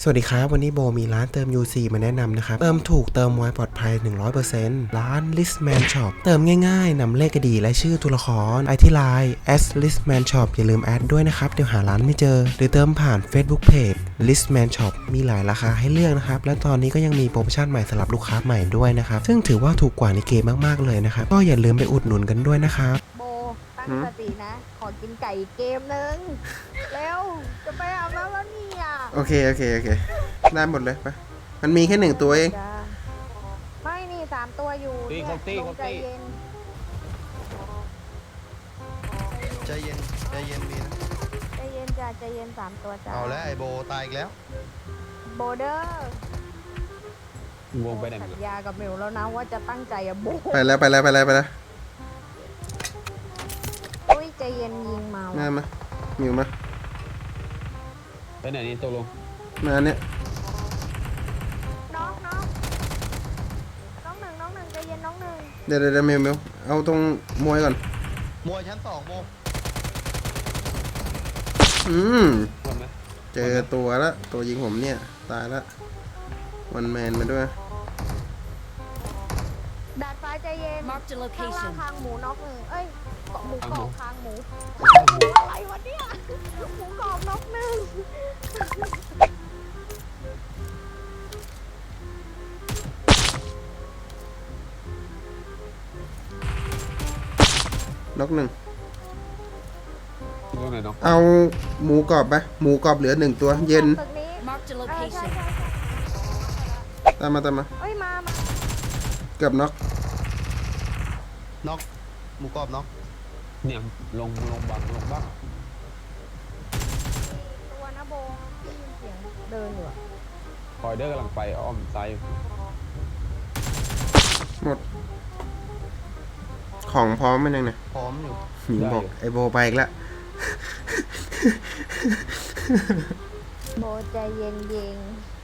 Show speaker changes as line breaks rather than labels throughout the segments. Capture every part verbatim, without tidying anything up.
สวัสดีครับวันนี้โบมีร้านเติม ยู ซี มาแนะนำนะครับเติมถูกเติมไวปลอดภัย หนึ่งร้อยเปอร์เซ็นต์ ร้าน Listman Shop เติมง่ายๆนำเลข ไอ ดี และชื่อตัวละครไอที่ไลน์ แอท Listman Shop อย่าลืมแอดด้วยนะครับเดี๋ยวหาร้านไม่เจอหรือเติมผ่าน Facebook Page Listman Shop มีหลายราคาให้เลือกนะครับและตอนนี้ก็ยังมีโปรโมชั่นใหม่สำหรับลูกค้าใหม่ด้วยนะครับซึ่งถือว่าถูกกว่าในเกมมากๆเลยนะครับก็อย่าลืมไปอุดหนุนกันด้วยนะครับ
โบตั้งสตินะขอกินไก่เกมนึงเร็วจะไปอาบน้ำแล้วเนี่ย
โอเคโอเคโอเคได้หมดเลยไปมันมีแค่หนึ่งตัวเอง
ไม่นี่สามตัวอยู่เนี่ยลงใจเย็น
ใจเย็นใจเย็นมีนะ
ใจเย็นจ้ะใจเย็นสามตัวจ้ะ
เอาแล้วไอโบตายอีกแล้ว
โบเดอร์
วงไปไหน
สัญญากับมิวแล้วนะว่าจะตั้งใจอะโบ
ไปแล้วไปแล้วไปแล้วไปแล้ว
อุ้ยใจเย็นยิงเมา
มามามิวมา
ไปไหนนี่ตกลง
มาเนี่ย
น้องน้องน้องหนึ่งน้องหนึ่งใจเย็นน้องหนึ่ง
เดี๋ยวเดี๋ยวมิวมิวเอาตรงมวยก่อน
มวยชั้นสองโบ
อืมเจอตัวละตัวยิงผมเนี่ยตายละวันแมนมาด้วย
ดาดฟ้าใจเย็นข้างล่างคางหมูน็อกหนึ่งเอ้ยเกาะหมูกรอบคางหมูอะไรวะเนี่ยหมูกรอบน็อกหนึ่ง
น็อกหนึ่ง
เนาะ
เอาหมูกรอบไปหมูกรอบเหลือหนึ่งตัวเย็นตามมาตามมา
เอ้ยมามา
เกือบน็อก
น็อกหมูกรอบน็อก
เนี่ยลงลงบังลงบ้าง
ตัวนะโบได้ยินเสียงเดินอยู่
คอยเดอร์กำลังไปอ้อมซ้าย
หมดของพร้อมมันยังไง
พร้อมอยู่
หญิงบอกไอโบไปอีกแล้ว
โบใจเย็นเย็น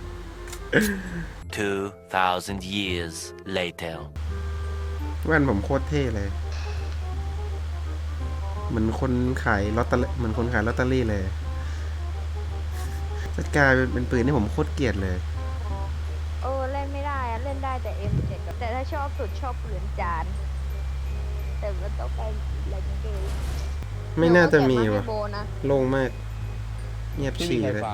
two thousand years later
แว่นผมโคตรเท่เลยเหมือนคนขายลอตเตอรี่เหมือนคนขายลอตเตอรี่เลยจัดการเป็นปืนที่ผมโคตรเกลียดเลย
เออเล่นไม่ได้อะเล่นได้แต่ เอ็ม เจ็ด แต่ถ้าชอบสุดชอบปืนจานแต่มันต้องไปอะไรกันเกม
ไม่น่าจะมีว่ะโล่งมากเงียบฉี่เลย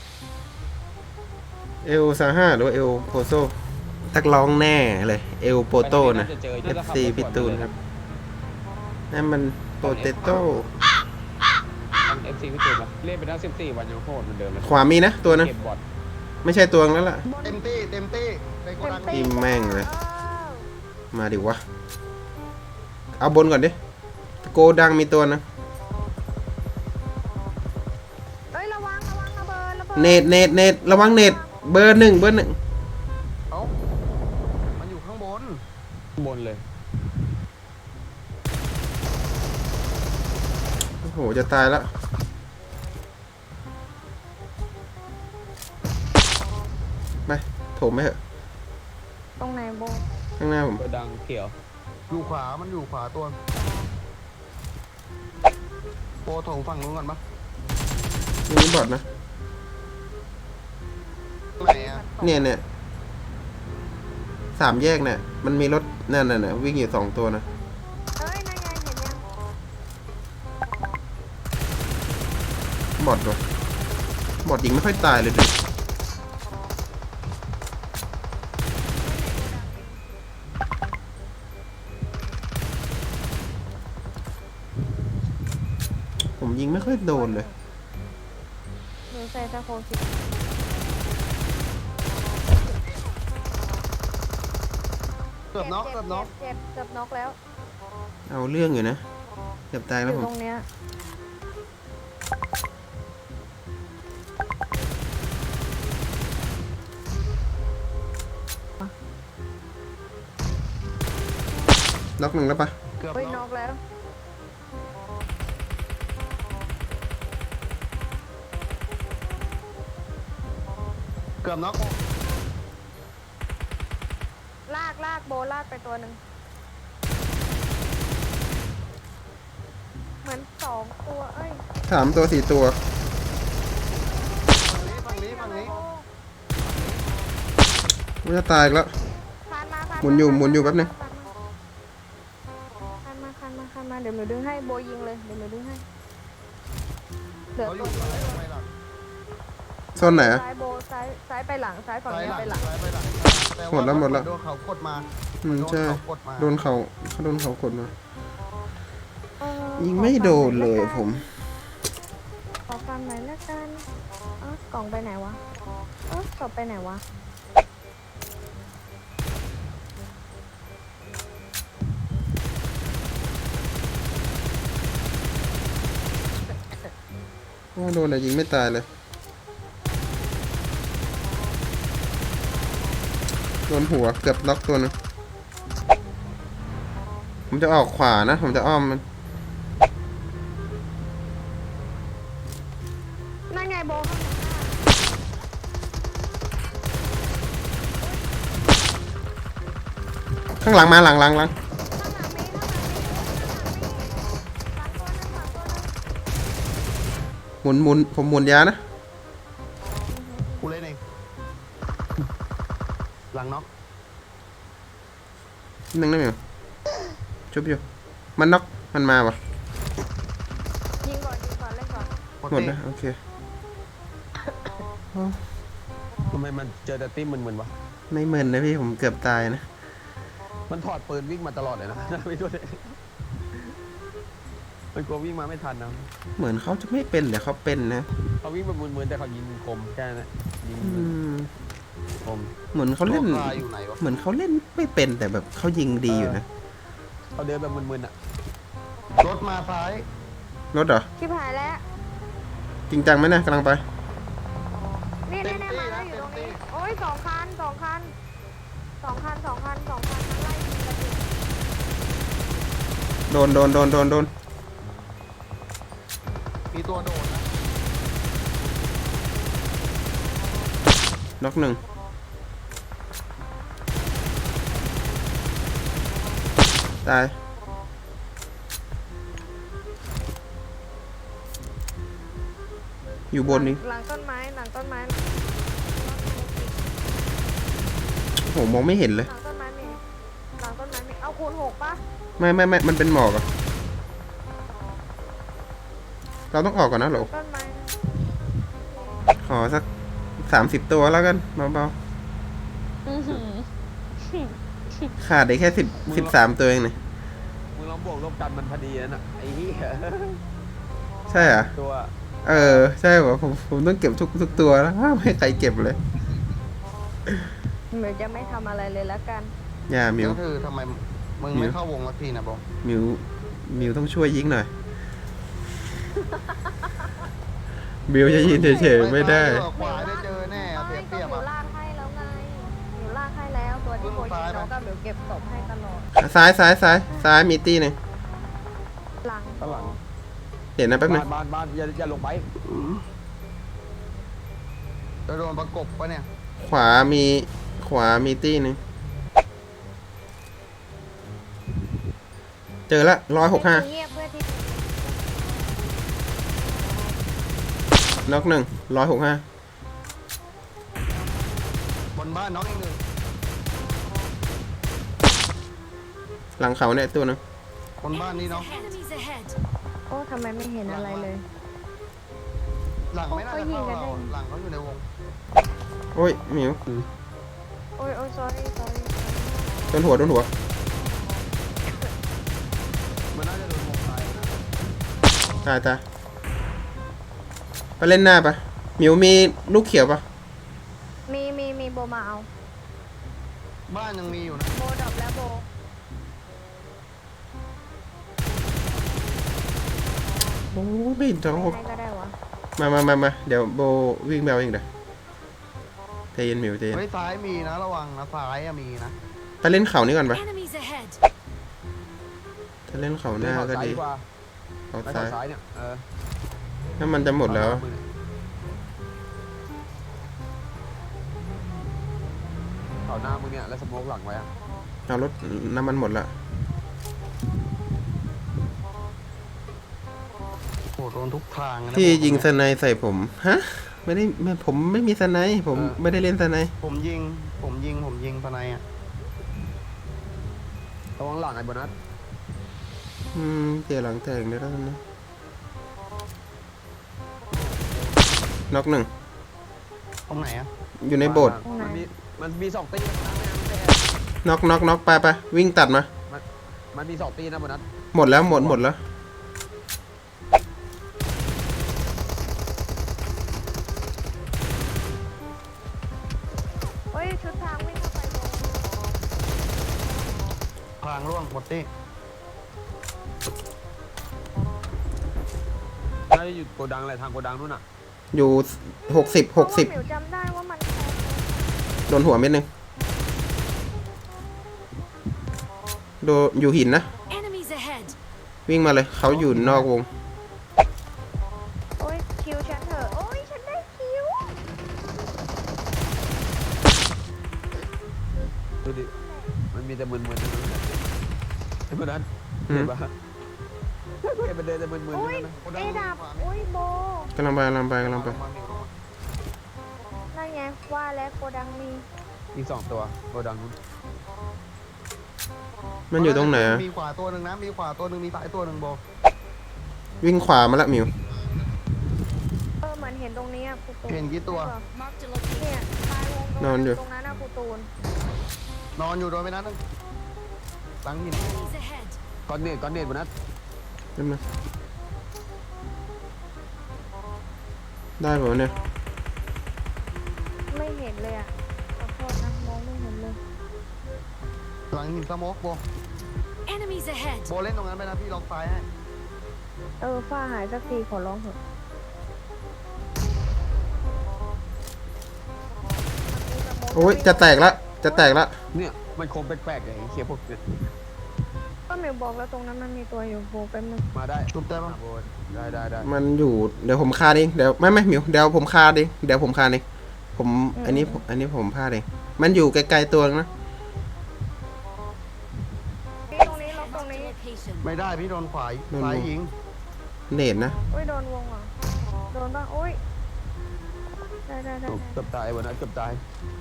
เอลซาห้าหรือว่าเอลโพโซตักร้องแน่เลยเอลโปโต้นะ เอฟ ซี พิตูนครับนั่นมันโปเตโต้
เอฟซีพิตูนเล่นไปได้สิบสี่วันยังโคตรเหมือนเดิมเลย
ขวามีนะตัวนั้นไม่ใช่ตัวนั้นละ
เต็มตี้เต็มตี้ไปโกดัง
ทีมแม่งเลยมาดิวะเอาบนก่อนดิโกดังมีตัวนะเนตเนตเนตระวังเนตเบอร์หนึ่งเบอร์หนึ่ง
เอ้ามันอยู่ข้างบน
บนเลย
โอ้โหจะตายแล้วไปโถมไหมเหอะ
ตรงไหนโบ
ข้างหน้าผม
ดังเขียว
อยู่ขวามันอยู่ขวาตัวโบถงฝั่งนู้นก่อนปะ
นี่บอดนะ
ไหนอะ
เนี่ยเนี่ยสามแยกเนี่ยมันมีรถนั่นน่ะนะวิ่งอยู่สองตัวนะ
เอ้ยนั่นไงเห็นยัง
บอดวะบอดยิงไม่ค่อยตายเลยดิผมยิงไม่ค่อยโดนเลย
หนูใส่ตะโคคิด
เกือบน็อกเกือบน็อก
เจ็บเกือบน็อกแล้ว
เอาเรื่องอยู่นะเกือบตายแล้วผม
ตรงเนี้ย
น็อกหนึ่งแล้วปะ
เกือบน็อกแล้ว
เกือบน็อก
ลากลากโบลากไปตัวหนึ่งเหมือนสองตัวเอ้ย
สามตัวสี่ตัว
ฝั่งนี้ฝั่งนี้ฝั่งนี้
กูจะตายอีกแล้ว
คานมาคาน
หมุนอยู่หมุนอยู่แป๊บนึง
คานมาคานมาคานมาเดี๋ยวหนูดึงให้โบยิงเลยเดี๋ยวหนูดึงให้เหลือ
เขาอ
ตั
ยู่
ว
ซ้ายไปหลัง
โซนไหนอะ
ซ้ายโบซ้ายซ้ายไปหลังซ้ายฝั่ง
ซ้าย
นี้
หลัง
ไปหลัง
ซ้ายไปหลังแต่
หมดแล้วหมดแล้ว
โดนเขากดมา
อืมใช่
โดนเขากดมา
โดนเขาเขาโดนเขากดมา
เออ
ยิงไม่โดนเลยผม
ขอฟังหน่อยละกันเอ้ากล่องไปไหนวะเอ้าศพไปไหนวะ
โอ้โดนแต่ยิงไม่ตายเลย โดนหัวเกือบล็อกตัวหนึงผมจะออกขวานะ ผมจะอ้อมมัน
นั่นไงโบข้างหลัง
ข้างหลังมาหลังหลังหลัง
ข้างหลังมีข้างหลังมีข้างหลังมีหลังตัวนึงหลังตัวนึง
หมุนหมุนผมหมุนยานะ
กูเล่นเองหลังน็อก
นึงได้ไหมวะชุบอยู่ มันน็อกมันมาวะ
ยิงก่อนยิงก่อนเล่นก่อน
หมดนะโอเค
ทำไมมันเจอแต่ติ้มมึนๆวะ
ไม่เหมือนนะพี่ผมเกือบตายนะ
มันถอดปืนวิ่งมาตลอดเลยนะ ไม่รู้เลยมันกลัววิ่งมาไม่ทันนะ
เหมือนเขาจะไม่เป็นแต่เขาเป็นนะ
เขาวิ่งแบบมึนๆแต่เขายิงคมแค่นั้นแหละยิง
อืม
คม
เหมือนเขาเล่น
ตัวคาอยู่ไหนวะ
เหมือนเขาเล่นไม่เป็นแต่แบบเขายิงดีอยู่นะ
เขาเดินแบบมึนๆอ่ะ
รถมาซ้าย
รถเหรอ
ชิบหายแล้ว
จริงจังไหมนะกำลังไป
นี่นี่นี่มาแล้วอยู่ตรงนี้โอ้ยสองคันสองคันสองคันสองคันสองคันมันไล่ยิงกันอยู่
โดนโดนโดนโดนโดน
มีตัวโดดนะ
น็อกหนึ่งตาย อยู่บนนี้
หลังต้นไม้หลังต้นไม้
โอ้โหมองไม่เห็นเลย
หลังต้นไม้มีหลังต้นไม้มีเอาคูณหกปะ
ไม่ไม่ไม่มันเป็นหมอกอะเราต้องออกก่อนนะโหล
ต้นไม้นะ
ขอสักสามสิบตัวแล้วกันเบา
อื้อหือ
ๆขาดได้แค่สิบสิบสามตัวเองเนี่ย
มึงลองบวกลบกันมันพอดีนั่นน่ะไอ้เหี้ย
ใช่เหรอ
ตัว
เออ ใช่เหรอผมผมต้องเก็บทุกทุกตัวแล้วห้ามให้ใครเก็บเลย
เดี๋ยวจะไม่ทำอะไรเลยละกัน
อย่ามิ
เดี๋ยว วคือทำไมมึง
มิ
ไม่
ว
เข้าวงสักทีนะบอ
มิวมิวต้องช่วยยิงหน่อย มิวจะยืนเฉยๆไม่ได้
ขวาได้เจอแน่เอาเปรียบเปรียบ
หนู
อ่ะ
ลากให้แล้วไงหนูลากให้แล้วตัวที่โบยิงน้องกับหนูเก็บศพให้ตลอด
ซ้ายซ้ายซ้ายซ้ายมีตี้หนึ่ง
หลัง
ข้างหลัง
เห็นนะแป๊บนึ
บ้าง นบ้านบ้านอย่าอย่าลงไป
จะโดนประกบปะเนี่ย
ขวามีขวามีตี้หนึ่งเจอละร้อยหกห้า
เงียบเพื่อที่
น็อกหนึ่งร้อยหกห้า
บนบ้านน้องอีกหนึ่ง
หลังเขาเนี่ยตัวหนึง
บนบ้านนี่น้อง
Enemies ahead.
โอ้ทำไมไม่เห็นอะไรเลย
หลังไม่น่าจะเข้า
เขายิงกันได้
เราหลังเขาอยู่ในวง
โอ้ยมิว
โอ้ยโอ้ย sorry sorry
โดนหัวโดนหัว
มันน่าจะโดนวงไฟนะ
ตายตายไปเล่นหน้าปะมิวมีลูกเขียวปะ
มีมีมีโบมาเอา
บ้านยังมีอยู่นะ
โบดรอปแล้วโบ
โอ้ยไม่เห็นท้องหก
ให้ก็ได้วะ
มามามามาเดี๋ยวโบวิ่งแมวเองเดี๋ยวใจเย็นมิวใจเย็น
เฮ้ยซ้ายมีนะระวังนะซ้ายอะมีนะ
ไปเล่นเขานี่ก่อนปะ
Enemies ahead.
ถ้าเล่นเขาห
เล่น
น้า
เขา
ก็
ซ้าย
ดี
ดีกว่า
เขา
ไม่
ซ้า
เขา
ย
ซ้ายเนี่ยเออ
ถ้ามันจะหมดแล้ว
เขาหน้ามึงเนี่ยแล้วสโมกหลังไว้อะ
เอารถน้ำมันหมดละ
โอ้โหโดนทุกทางนะ
ที่ยิงสไนใส่ผม ฮะไม่ได้ไม่ผมไม่มีสไนป์ผม
เออ
ไม่ได้เล่นสไนป์
ผมยิง ผมยิง ผมยิงทนายอ่ะ
ระวังหลังไอ้โบนัส
อืมเดี๋ยวหลังแตกเดี๋ยวแล้วกันนะน็อกหนึ่ง
ตรงไหนอ่ะ
อยู่ในโบสถ์
มันมีมันมีสองตีนะแม่
น็อกน็อกน็อกไปไปวิ่งตัดมา
มันมันมีสองตีนะโบนัส
หมดแล้วหมดหมดแล้ว
เฮ้ยชุดทางวิ่งเข้าไปวง
พลางร่วงหมดที่
น่าจะอยู่โกดังอะไรทางโกดังนู่นน่ะ
อยู่หกสิบหกสิบ
เพราะว่าหมิวจำได้ว่ามัน
โดนหัวเม็ดหนึ่งโดนอยู่หินนะ
Enemies ahead!
วิ่งมาเลยเขาอยู่นอกวง
โอ้ยคิวฉันเถอะโอ้ยฉันได้คิว
ดูดิมันมีแต่มึนๆทั้งนั้นเลยไอ้โบนัส
อืม
เห็นปะเห็นมันเดินแต่มึนๆ
โอ้
ทั้ง
ย
นั้นนะ
เอดับโอ้ยโบ
กำลังไปกำลังไปกำลังไป
นั่นไงว่าแล้วโกดังมี
อีกสองตัวโกดังนู้น
มันอยู่ตรงไหนอะ
มีขวาตัวหนึ่งนะ มีขวาตัวหนึ่งมีซ้ายตัวหนึ่งโบ
วิ่งขวามาละหมิว
เออเหมือนเห็นตรงนี้อะกูตูน
เห็นกี่ตัว
Marked a location.
เนี่ยตายวงตรง
นอนอยู่
ตรงนั้นนะกูตูน
นอนอยู่โดนไปนัดนึงหลังหิน
Enemies ahead!
ก้อนเนตก้อนเนตโบนัส
เล่นมาได้ป่ะเนี่ย
ไม่เห็นเลยอ่ะขอโทษนะมองไม่เห็นเลย
หลังหินสโมกโบ
Enemies ahead!
โบเล่นตรงนั้นไปนะพี่ล็อกซ้ายให้
เออฝ้าหายสักทีขอร้องเถอะ
โอ้ยจะแตกละจะแตกละ
เนี่ยมันคมแปลกๆไอ้เคียพวกเนี่ย
ก็หมิวบอกแล้วตรงนั้นมันมีตัวอยู่โบแป๊บนึง
มาได้
ชุบได้ปะ
อ่ะโบนได้ได้ได้
มันอยู่เดี๋ยวผมคาดเองเดี๋ยวไม่ไม่หมิวเดี๋ยวผมคาดเองเดี๋ยวผมคาดเองผมอันนี้ผมอันนี้ผมพลาดเองมันอยู่ไกลๆตัวนะ
นี่ตรงนี้ล็อกตรง
Marked a
นี้
location.
ไม่ได้พี่โดนขวาซ้ายยิง
เนตนะ
อุ้ยโดนวงเหรอ่ะโดนป่ะอุ้ยได้ได้ได้
โอ้
ได้
เกือบตายโบนัสเกือบตาย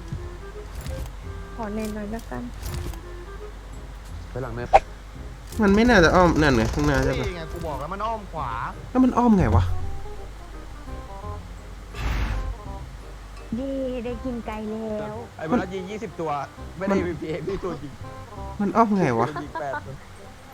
ขอเน้นหน่อยละกัน
ไปหลังเนต
มันไม่น่าจะอ้อมนั่นไงข้างหน้าใช่ปะ
นี่ไงกูบอกแล้วมันอ้อมขวา
แล้วมันอ้อมไงวะ
ดีได้กินไก่แล้ว
ไอ้โบนัสยิงยี่สิบตัวไม่ได้ พี พี เอพี่ตัวจริง
มันอ้อมไงวะ
ยิงแปดตัว